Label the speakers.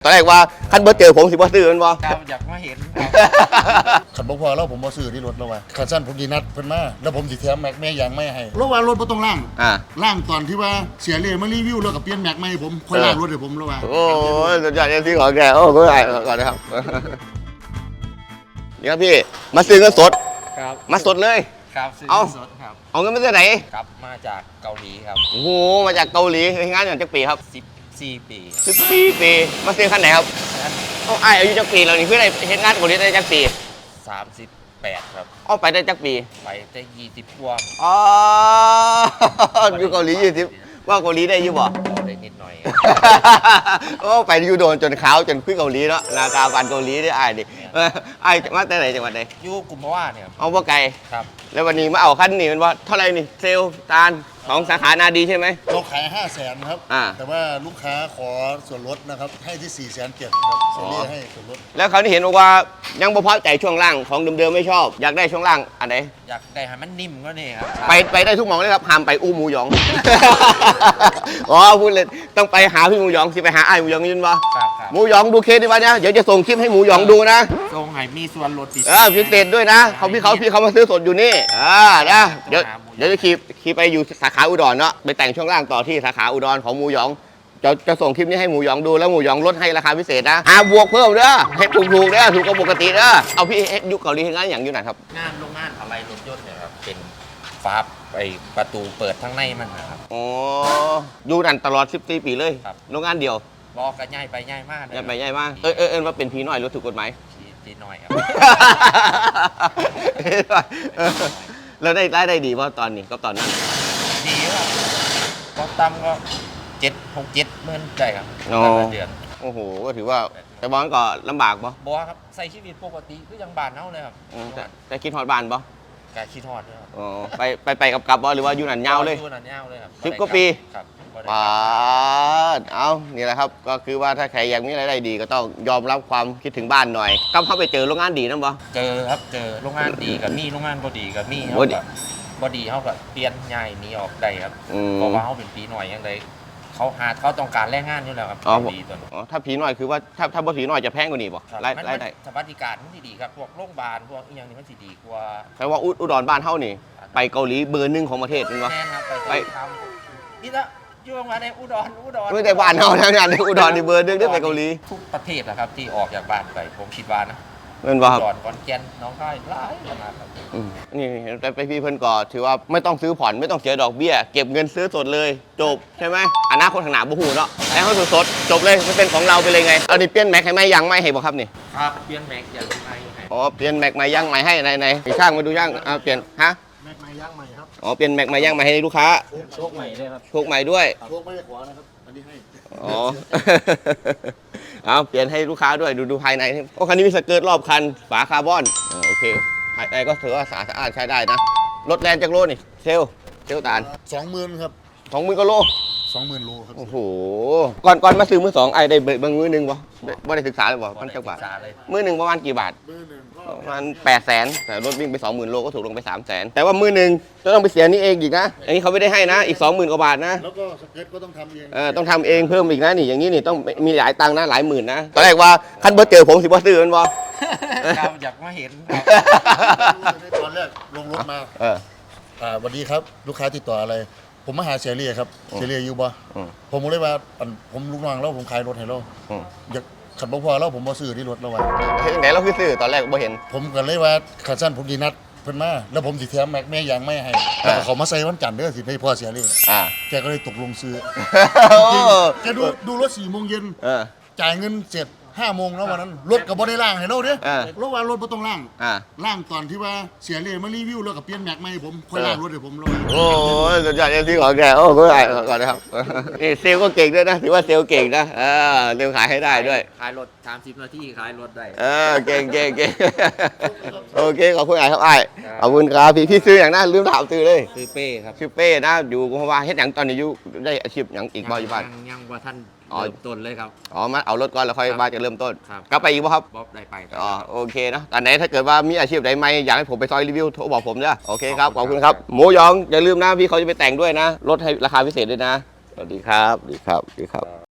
Speaker 1: อนแรกว่าคันเบอร์เจอผมสิบ่ซื้อมันบ่
Speaker 2: ครับอยากมาเห็น
Speaker 3: ขันบ่พอแล้วผมบ่ซื้อที่รถแล้วว่ะขันสั้นผมดีนัดเพิ่นมาแล้วผมสิแถมแม็กแม่ยางไม่ให้แล้วว่ารถบ่ต้องล่างล่างตอนที่ว่าเสียเลยมารีวิวแล้วก็เปลี่ยนแม็กไม่ให้ผมค่อยล่างรถให้ผมแล้วว่า
Speaker 1: โอ้ยสุดยอดที่ของแกโอ้ก็ได้ก่อนนะครับนี่ครับพี่มาซื้อเงินสด
Speaker 2: ครับ
Speaker 1: มาสดเลย
Speaker 2: ครับซื้อสดครับ
Speaker 1: เอาเงินมาจากไหน
Speaker 2: ครับมาจากเกาหลีครับ
Speaker 1: โอ้โหมาจากเกาหลีงานอย่างจักปีครับ
Speaker 2: 14 ปี
Speaker 1: 14 ปีมาซื้อคันไหนครับเอาไอ้อายุจักปีแล้วนี่เพื่ออะไรเห็นงานเกาหลีได้จักปี
Speaker 2: 38ครับ
Speaker 1: เอาไปได้จักปี
Speaker 2: ไปได้20กว่า
Speaker 1: อ๋ออยู่เกาหลี20ว่าเกาหลีได้อยู่บ่
Speaker 2: ได้นิดหน่อย
Speaker 1: โอ้ไปอยู่โดนจนขาวจนคุยเกาหลีเนาะนาตาบันเกาหลีได้ไอ้ดิไอ้มาแต่ไหนจังหวัดไหน
Speaker 2: อยู่กุมภาวะเนี่ย
Speaker 1: เอาบ่ไกล
Speaker 2: ครับ
Speaker 1: แล้ววันนี้มาเอาคันนี้มันว่าเท่าไรนี่เซลตาลของสาขานาดีใช่ไหม
Speaker 3: เราขาย500,000ครับแต่ว่าลูกค้าขอส่วนลดนะครับให้ที่470,000ครับเซเรียให้ส่วนลด
Speaker 1: แล้วเขาที่เห็นว่ายังบ่พอใจช่วงล่างของเดิมๆไม่ชอบอยากได้ช่วงล่างอันไหน
Speaker 2: อยากได้ให้มันนิ่มก็นี่ครับ
Speaker 1: ไปได้ทุกหม่องเลยครับห้ามไปอู้หมูหยองอ๋อพูดเลยต้องไปหาพี่หมูหยองสิไปหาไอ้หมูหยองยินบ่หมูหยองดูเคสดีวะเนี่ยเดี๋ยวจะส่งคลิปให้หมูหยองดูนะ
Speaker 2: ส่งให้มีส่วนลด
Speaker 1: พิเศษด้วยนะพี่เขามาซื้อสดอยู่นี่นะเดี๋ยวจะขี่ไปอยู่สาขาอุดรเนาะไปแต่งช่วงล่างต่อที่สาขาอุดรของหมูหยองจะส่งคลิปนี้ให้หมูหยองดูแล้วหมูหยองลดให้ราคาพิเศษนะบวกเพิ่มเด้อให้ถูกเด้อถูกกว่าปกติเด้อเอาพี่ยุคเกาหลีงานอย่างอยู่ไหนครับ
Speaker 2: งานโรงงานอะไรรถยนต์เนี่ยครับเป็นฝาไอประตูเปิดทั้งในมันนะครับ
Speaker 1: อ๋ออยู่นั่นตลอด14 ปีเลยโรงงานเดียว
Speaker 2: บอกกันง่ายไปง่ายมาก
Speaker 1: ง่ายไปง่ายมากว่าเป็นผีน้อยรถถูกกฎหมาย
Speaker 2: ผีน้อยครับ
Speaker 1: แล้วได้ดีเพราะตอนนี้ก็ตอนนั้น
Speaker 2: ดีครับก็ต่ำก็6-7 หมื่นใจครับเดือน
Speaker 1: โอ้โหก็ถือว่าแต่บอลก็ลำบากป่ะ
Speaker 2: บอครับใส่ชีวิตปกติก็ยังบานเท่าเลยครับ
Speaker 1: แต่คิดฮอดบานป่ะ
Speaker 2: การคิดฮอดด้วยครับ
Speaker 1: อ๋อไปกับบ่หรือว่าอยู่หนันยาวเลย
Speaker 2: อยู่หนันยาวเลยครับ
Speaker 1: 10 กว่าปี
Speaker 2: ครับ
Speaker 1: เอานี่แหละครับก็คือว่าถ้าใครอยากมีรายได้ดีก็ต้องยอมรับความคิดถึงบ้านหน่อยก็เข้าไปเจอโรงงานดีนั่นป่ะ
Speaker 2: เจอครับเจอโรงงานดีกับมีโรงงานบ่ดีกับมีครับบ่ดีเขาก็เปลี่ยนย้ายหนีออกได้ครับเพราะว่าเขาเป็นปีหน่อยยังไงเขาต้องการแรงงานอยู่แล้วครับ
Speaker 1: ดีตัวนี้ถ้าผีน้อยคือว่าถ้าบ่ผีน้อยจะแพงกว่านี้ป่ะรายได้
Speaker 2: สวัสดิการมันดีครับพวกโรงพยาบาลพวกอย่างนี้มันดีกว่า
Speaker 1: แปลว่าอุดรบ้านเท่านี่ไปเกาหลีเบอร์ 1ของประเทศเป็นวะ
Speaker 2: แน่ครับไปทำนี่ละช่วงมาในอุดร
Speaker 1: ไม่แต่บ้านเท่านั้นในอุดรนี่เบอร์ 1ได้ไปเกาหลี
Speaker 2: ทุกประเทศนะครับที่ออกจากบ้านไปผมคิดว่านะ
Speaker 1: เป็นว่าครับ
Speaker 2: อุดรขอนแก่นน้องค่ายหลายขนาดครับ
Speaker 1: นี่แต่ไปพี่เพิ่นก่อถือว่าไม่ต้องซื้อผ่อนไม่ต้องเสียดอกเบี้ยเก็บเงินซื้อสดเลยจบใช่ไหมอนาคตข้างหน้าบ่ฮู้เนาะแต่เขาสดจบเลยมันเป็นของเราไปเลยไงเอานี่เปลี่ยนแม็กให้ไหมยังไม่ให้บ่ครับนี่
Speaker 2: ครับเปลี่ยนแม็กยังไม่ให้
Speaker 1: อ๋อเปลี่ยนแม็กใหม่ยังใหม่ให้ไหนช่างมาดูช่างเปลี่ยนฮะ
Speaker 3: แม็กใหม่ย่างใหม่ครับ
Speaker 1: อ๋อเปลี่ยนแม็กใหม่ยังใหม่ให้ลูกค้า
Speaker 3: โชคใหม่ด้วยครับ
Speaker 1: โชคใหม่ด้วย
Speaker 3: โชคไม่ได้ขวานะครับอันนี้ให้
Speaker 1: อ๋อเอาเปลี่ยนให้ลูกค้าด้วยดูภายในโอ้คันนี้มีสเกิร์ตรอบคันฝาคาร์บอนโอเคภายในก็ถือว่าสะอาดใช้ได้นะรถแรงจากโลนี่เซลตาล
Speaker 3: 20,000ครับ
Speaker 1: 20,000กว่าโล
Speaker 3: 20,000 โลครับ
Speaker 1: โอ้โหก่อนมาซื้อมือ2ไอ้ได้เบิ่งมือ1บ่ได้ศึกษาเลยบ่มันจักบาทมือ1ประมาณกี่บาทประมาณ800,000แต่รถวิ่งไป 20,000 โลก็ถูกลงไป300,000แต่ว่ามือ1จะต้องไปเสียนี่เองอีกนะอันนี้เขาไม่ได้ให้นะอีก 20,000 กว่าบาทนะ
Speaker 3: แล้วก็สเก็ตก็ต้องทำเอง
Speaker 1: ต้องทำเองเพิ่มอีกนะนี่อย่างนี้นี่ต้องมีหลายตังค์นะหลายหมื่นนะตอนแรกว่าคันเบอร์เจอผมสิบ่ซื้อมันบ่
Speaker 2: ครับอยากมาเห็น
Speaker 3: ตอนแรกลงรถมาสวัสดีครับลูกค้าติดต่ออะไรผมมาหาเซเรียครับเซเรียอยู่บ่ผมเลยว่าผมลูกน้องแล้วผมขายรถให้เราอยากขันบ่พอแล้วผมบ่ซื้อที่รถแล้วว่ะ
Speaker 1: ไหนเราคือซื้อตอนแรกบ่เห็น
Speaker 3: ผมก็เลยว่าขันสั้นผมดีนัดเพิ่นมาแล้วผมสิแถมแม็กแม่ยางไม่ให้แล้วเขามาใส่วันจันทร์เด้อสิให้พ่อเสียเลยแกก็เลยตกลงซื้อแกดูรถ4 โมงเย็นจ่ายเงินเสร็จ5 โมงแล้ววันนั้นรถก็บ่ได้ล่างให้เราเด้รถว่ารถบ่ต้องล่างล่างตอนที่ว่าเสียเลยมารีวิวแล้วก็เปลี่ยนแม็กไม่ให้ผมค่อยล่างรถให้ผมแล้ว
Speaker 1: โอ้ยสุดยอดที่ของแกโอ้ก็ได้ก่อนนะครับนี่เซลก็เก่งด้วยนะถือว่าเซลเก่งนะเร็วขายให้ได้ด้วย
Speaker 2: ขายรถ30 นาทีขายรถได้
Speaker 1: เก่งโอเคขอบคุณครับไอ้ขอบคุณครับพี่ซื้ออย่างนั้นลืมถามซื้อเลย
Speaker 2: ซื้อเป้ครับ
Speaker 1: ชื่อเป้นะอยู่กุมภาวะเฮ็ดอย่างตอนนี้อยู่ได้อาชีพอย่างอีกบ่อยู่บ้าน
Speaker 2: ยังว่าท่านเริ่มต้นเลยครับ
Speaker 1: มาเอารถก่อนแล้วค่อยมาจะเริ่มต้นกลับไปอีกป่ะครับ
Speaker 2: ได้ไป
Speaker 1: โอเคนะตอนไหนถ้าเกิดว่ามีอาชีพใดไม่อยากให้ผมไปซอยรีวิวโทรบอกผมนะโอเคครับขอบคุณครับหมูยองอย่าลืมนะพี่เขาจะไปแต่งด้วยนะลดให้ราคาพิเศษด้วยนะสวัสดีครับ